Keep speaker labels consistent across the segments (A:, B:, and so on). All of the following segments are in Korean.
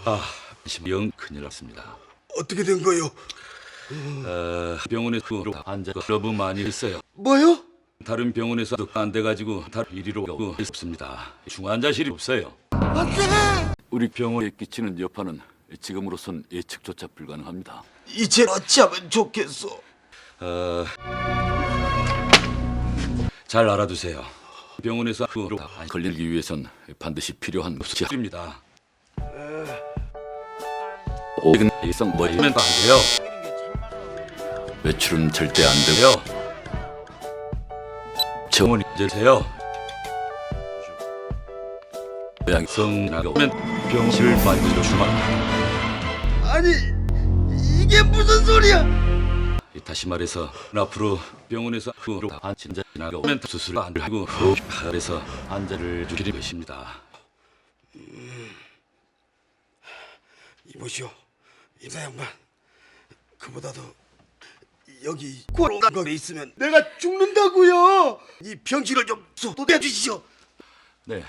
A: 영 큰일 났습니다.
B: 어떻게 된 거요?
A: 병원에서 환자가 너무 많이 있어요.
B: 뭐요?
A: 다른 병원에서도 안 돼가지고 다른 이리로 오고 있습니다. 중환자실이 없어요.
B: 안돼!
A: 우리 병원에 끼치는 여파는 지금으로선 예측조차 불가능합니다.
B: 이제 어찌하면 좋겠어?
A: 잘 알아두세요. 병원에서 안 걸리기 위해선 반드시 필요한 수치입니다. 오근 일성 뭐이면 안 돼요. 외출은 절대 안 되고요. 정원이 되세요. 양성나가 오면 병실을 만들어 주마.
B: 아니 이게 무슨 소리야?
A: 다시 말해서 앞으로 병원에서 환자 나가오면 수술을 안 하고 그래서 환자를 죽이는 것입니다.
B: 이보시오, 이사 양반. 그보다도 여기 코로나가 있으면 내가 죽는다고요. 이 병실을 좀 소도해 주시오.
A: 네.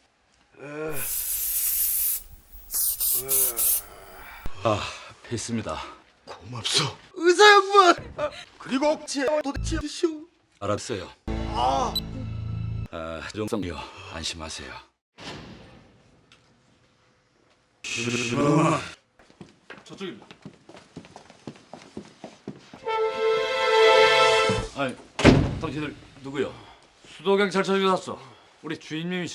A: 했습니다.
B: 고맙소, 의사 양반. 그리고 도대체 주시오.
A: 알았어요. 정성이요, 안심하세요. 저쪽입니다. 아니, 당신들 누구요?
C: 수도경찰서 유사서 우리 주임님이셔.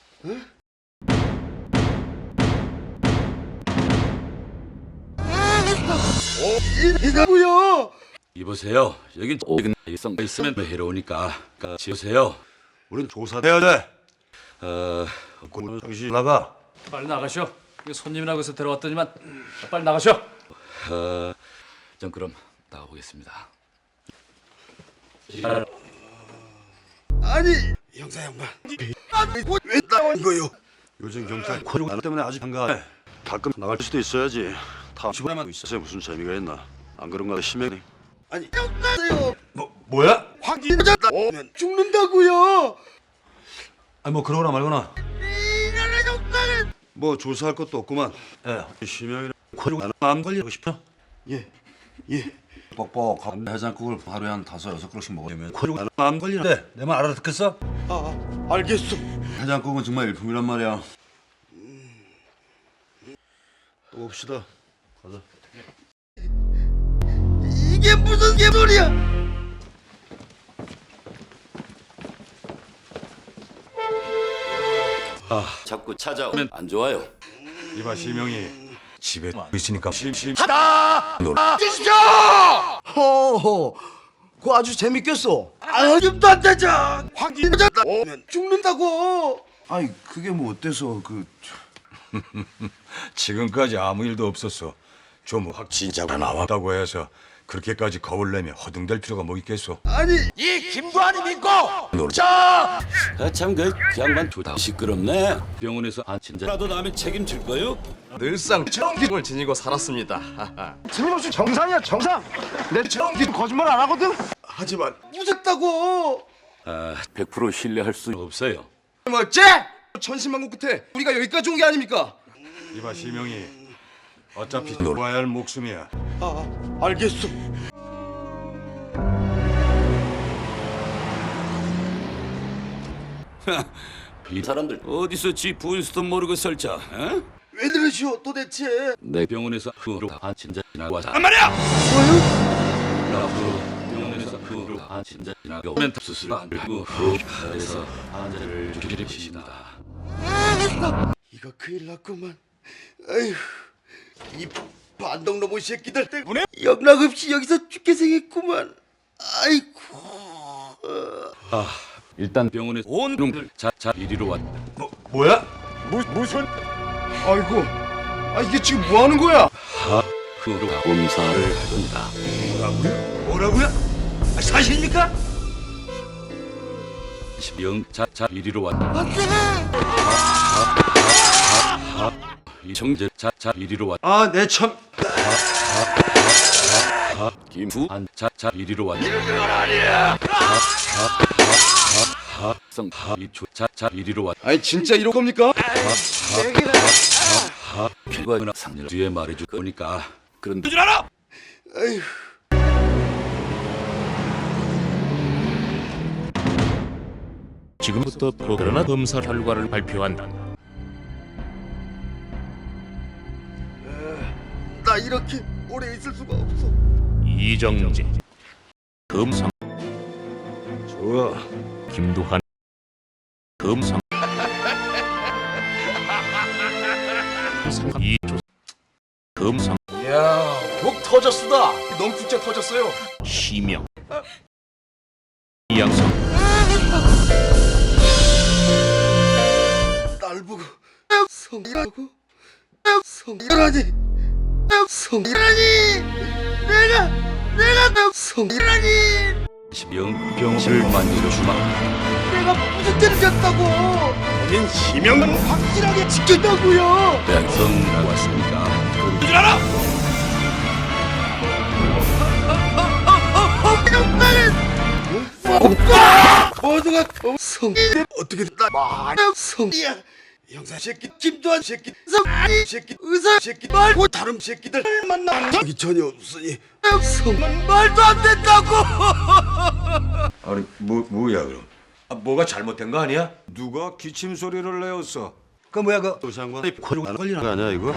B: 이거고요.
A: 이보세요. 여긴 오근 일성 있으면 해로우니까 지우세요.
D: 우린 조사해야 돼. 당신 나가.
C: 빨리 나가셔. 이거 손님이라고 해서 데려왔더니만 빨리 나가셔.
A: 전 그럼 나가보겠습니다.
B: 아니 형사 양반. 왜 나온 거요?
D: 요즘 경찰 코로나 때문에 아직 한가해. 가끔 나갈 수도 있어야지. 다 집안에만 있어서 무슨 재미가 있나? 안 그런가 심해.
B: 아니 형사요.
D: 뭐야?
B: 확진자 오면 죽는다고요.
D: 아니 뭐 그러거나 말거나.
B: 이나라 형사는
D: 뭐 조사할 것도 없구만. 심형이랑 코로나 안 걸리고 싶어?
B: 예.
D: 뻑뻑한 해장국을 하루에 한 5-6그릇씩 먹으면 코로나 안 걸리는데 내 말 알아듣겠어?
B: 알겠소.
D: 해장국은 정말 일품이란 말이야. 또 봅시다. 가자.
B: 이게 무슨 개소리야?
A: 자꾸 찾아오면 안 좋아요.
D: 이봐 심형이 집에 있으니까
E: 허허, 그거 아주 재밌겠어.
B: 아직도 안 되죠. 확진자 오면 죽는다고.
E: 아니 그게 뭐 어때서
F: 지금까지 아무 일도 없었어. 좀 확진자가 나왔다고 해서 그렇게까지 겁을 내며 허둥댈 필요가 뭐 있겠소.
B: 아니
A: 참 그 양반 두다 시끄럽네. 병원에서 환자라도 나면 책임질 거요?
G: 늘상 정기를 지니고 살았습니다.
E: 틀림없이 정상이야 정상. 내 정기 거짓말 안 하거든.
B: 하지만 웃었다고.
A: 100% 신뢰할 수 없어요.
G: 뭐 어째? 천신만고 끝에 우리가 여기까지 온 게 아닙니까?
F: 이봐 심형이 어차피 놀아야 할 목숨이야.
B: 알겠소.
A: 이 사람들 어디서 지 부인수도 모르고 설자? 어?
B: 왜 그러시오 도대체?
A: 내 병원에서 환자 지나고 한
B: 말이야.
A: 앞으로 병원에서 환자 지나고 오면 수술 안 하고 그래서 환자를 죽이는 것입니다.
B: 이거 큰일 났구만. 아휴, 이 반동놈의 새끼들 때문에 영락없이 여기서 죽게 생겼구만. 아이고.
A: 일단 병원에 온 놈들 자 이리로 왔다.
D: 뭐야?
G: 무슨? 아이고, 이게 지금 뭐 하는 거야?
A: 후로 검사를 합니다.
D: 뭐라고요? 사실입니까?
A: 자 이리로 왔다. 이 정제 자 이리로 왔다.
D: 내 참.
A: 김수한 자 이리로 왔다. 성 이초 자 이리로 왔다.
G: 아니 진짜 이럴 겁니까?
A: 결과나 상렬 뒤에 말해줄 거니까 그런
B: 아휴.
H: 지금부터 코로나 검사 결과를 발표한다.
B: 나 이렇게 오래 있을 수가 없어.
H: 이정재, 금성,
D: 좋아.
H: 김두한, 금성, 이조, 금성,
E: 야, 독 터졌수다. 농축제 터졌어요.
H: 시명, 이양성,
B: 날 보고 성이라고 성이라니 성이라니 내가 성이라니
A: 병을 만들어주마.
B: 내가 무슨 죄를 졌다고 본인 시명은 확실하게 지킨다고요.
A: 대학성이라고 왔습니까?
B: 모두가 성 어떻게 나 성이야. 형사 새끼 김도한 새끼 성이 새끼 의사 새끼 말고 다른 새끼들 만나 적이 전혀 없으니 성은 말도 안 된다고.
F: 아니 뭐야 그럼? 뭐가 잘못된 거 아니야? 누가 기침 소리를 내었어?
D: 그 뭐야 그 도시장관 코로나 걸리는 거 아니야 이거?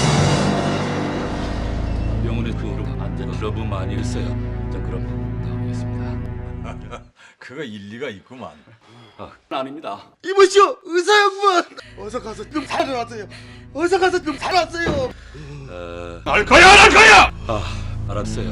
A: 병원에 그로 안전 러브 많이 했어요. 전 그럼 나오겠습니다.
F: 그거 일리가 있구만.
A: 아닙니다.
B: 이보시오 의사 양반 어서 가서 좀 살아났어요. 어서 가서 좀 살았어요.
F: 날 거야!
A: 알았어요.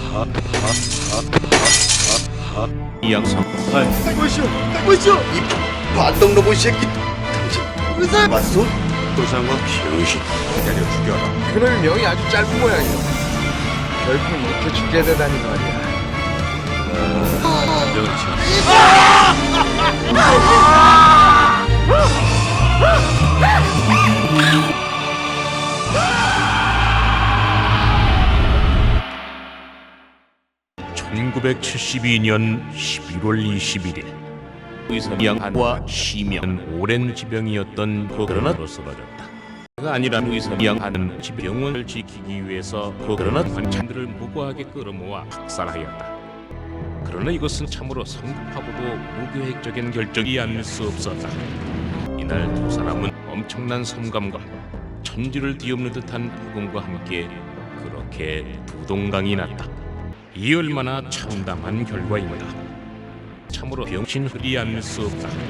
H: 이양성,
B: 이보시오 이 반동 로봇 새끼 당신 의사 맞소?
D: 도시장관 병신.
F: 때려 죽여라.
E: 그놈의 명이 아주 짧은 모양이야. 결국 이렇게 죽게 되다니 말이야.
A: 병을 치워.
H: (1972년 11월 21일) 의사양한과 시명은 오랜 지병이었던 코로나로 쓰러졌다. 가 아니라 의사양한은 병원을 지키기 위해서 코로나 환자들을 무고하게 끌어모아 학살하였다. 그러나 이것은 참으로 성급하고도 무계획적인 결정이 아닐 수 없었다. 이날 두 사람은 엄청난 성감과 천지를 뒤엎는 듯한 폭음과 함께 그렇게 두동강이 났다. 이 얼마나 참담한 결과입니다. 참으로 병신 흔히 않을 수 없다.